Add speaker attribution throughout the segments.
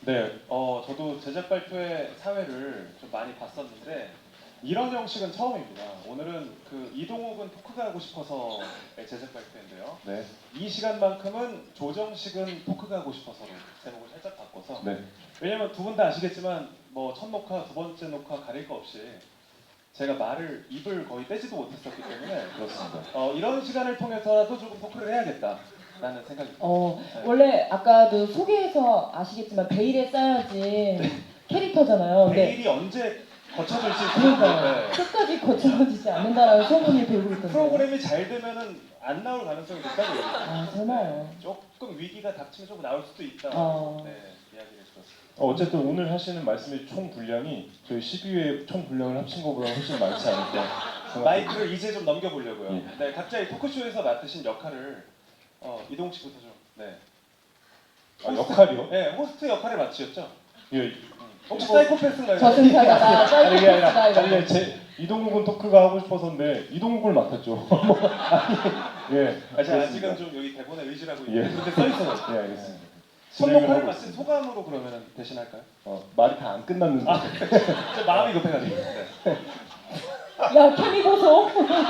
Speaker 1: 네, 저도 제작 발표회 사회를 좀 많이 봤었는데 이런 형식은 처음입니다. 오늘은 그 이동욱은 토크가 하고 싶어서의 제작 발표인데요.
Speaker 2: 네.
Speaker 1: 이 시간만큼은 조정식은 토크가 하고 싶어서로 제목을 살짝 바꿔서.
Speaker 2: 네.
Speaker 1: 왜냐면 두 분 다 아시겠지만 뭐 첫 녹화, 두 번째 녹화 가릴 거 없이 제가 입을 거의 떼지도 못했었기 때문에
Speaker 2: 그렇습니다.
Speaker 1: 이런 시간을 통해서라도 조금 토크를 해야겠다라는 생각이 듭니다. 네.
Speaker 3: 원래 아까도 소개해서 아시겠지만 베일에 쌓여진 캐릭터잖아요. 근데
Speaker 1: 베일이 언제 거쳐질지
Speaker 3: 그러니까요.
Speaker 1: 네.
Speaker 3: 끝까지 거쳐지지 않는다라는 소문이 돌고 있던데.
Speaker 1: 프로그램이 잘 되면은 안 나올 가능성이 높다고 얘기해요.
Speaker 3: 아 정말요.
Speaker 1: 조금 위기가 닥치면 조금 나올 수도 있다. 네, 이야기를 해주셨습니다.
Speaker 2: 어쨌든 오늘 하시는 말씀의 총 분량이 저희 12회 총 분량을 합친 것보다 훨씬 많지 않을까.
Speaker 1: 마이크를 이제 좀 넘겨보려고요.
Speaker 2: 예.
Speaker 1: 네, 각자 이 토크쇼에서 맡으신 역할을 이동욱 씨부터 좀. 네.
Speaker 2: 역할이요?
Speaker 1: 네, 호스트 역할을 맡으셨죠?
Speaker 2: 예.
Speaker 1: 혹시 사이코패스인가요?
Speaker 3: 저승사자가
Speaker 2: 아니 그게 아니라
Speaker 3: 사이코패스다.
Speaker 2: 아니 제 이동국은 토크가 하고 싶어서인데 이동국을 맡았죠. 뭐 아니 예.
Speaker 1: 제가
Speaker 2: 그렇습니다.
Speaker 1: 아직은 좀 여기 대본에 의지를 하고
Speaker 2: 예.
Speaker 1: 있는데 근데 써 있어요.
Speaker 2: 예, 알겠습니다.
Speaker 1: 첫
Speaker 2: 진행을
Speaker 1: 녹화를
Speaker 2: 하고
Speaker 1: 맡은
Speaker 2: 있습니다.
Speaker 1: 소감으로 그러면 대신할까요?
Speaker 2: 말이 다 안 끝났는데.
Speaker 1: 좀 마음이 급해가지고. 네.
Speaker 3: 야 케미 보소.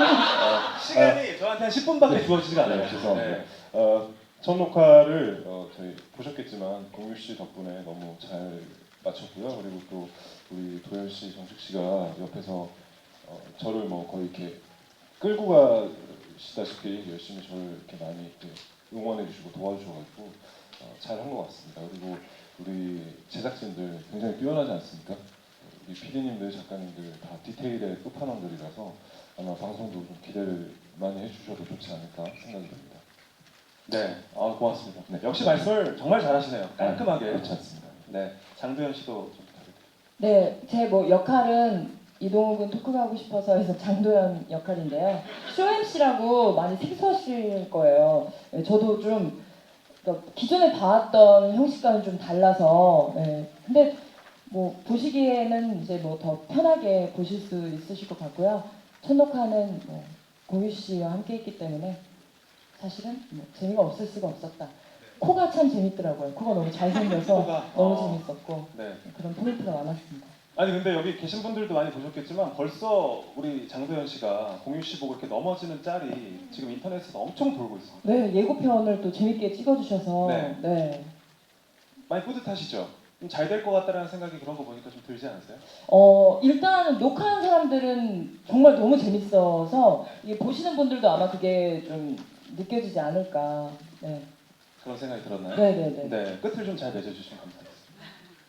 Speaker 1: 시간이 저한테 한 10분밖에 주어지지가 않아요.
Speaker 2: 네, 죄송합니다.
Speaker 1: 네.
Speaker 2: 첫 녹화를 저희 보셨겠지만 공유 씨 덕분에 너무 잘 마쳤고요. 그리고 또 우리 도현 씨, 정식 씨가 옆에서 저를 뭐 거의 이렇게 끌고 가시다시피 열심히 저를 이렇게 많이 이렇게 응원해 주시고 도와주셔가지고 잘한 것 같습니다. 그리고 우리 제작진들 굉장히 뛰어나지 않습니까? 우리 PD님들, 작가님들 다 디테일의 끝판왕들이라서 아마 방송도 좀 기대를 많이 해주셔도 좋지 않을까 생각이 듭니다.
Speaker 1: 네, 고맙습니다.
Speaker 2: 네.
Speaker 1: 역시 말씀을 정말 잘하시네요. 깔끔하게.
Speaker 2: 그렇지 않습니다.
Speaker 1: 네, 장도연 씨도 좀 부탁드립니다.
Speaker 3: 네, 제 뭐 역할은 이동욱은 토크가 하고 싶어서 해서 장도연 역할인데요. 쇼 MC라고 많이 생소하실 거예요. 네, 저도 좀 그러니까 기존에 봐왔던 형식과는 좀 달라서 근데 뭐 보시기에는 이제 뭐 더 편하게 보실 수 있으실 것 같고요. 첫 녹화는 뭐 공유 씨와 함께 했기 때문에 사실은 뭐 재미가 없을 수가 없었다. 코가 참 재밌더라고요. 코가 너무 잘생겨서
Speaker 1: 코가,
Speaker 3: 너무 재밌었고
Speaker 1: 네.
Speaker 3: 그런 포인트가 많았습니다.
Speaker 1: 아니 근데 여기 계신 분들도 많이 보셨겠지만 벌써 우리 장도연 씨가 공유 씨 보고 이렇게 넘어지는 짤이 지금 인터넷에서 엄청 돌고 있습니다.
Speaker 3: 네, 예고편을 또 재밌게 찍어주셔서
Speaker 1: 네. 많이 뿌듯하시죠? 좀 잘 될 것 같다라는 생각이 그런 거 보니까 좀 들지 않으세요?
Speaker 3: 일단 녹화한 사람들은 정말 너무 재밌어서 이게 보시는 분들도 아마 그게 좀 느껴지지 않을까. 네.
Speaker 1: 그런 생각이 들었나요?
Speaker 3: 네네네.
Speaker 1: 네, 끝을 좀 잘 맺어주시면 감사하겠습니다.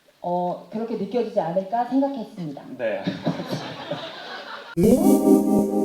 Speaker 3: 그렇게 느껴지지 않을까 생각했습니다.
Speaker 1: 네.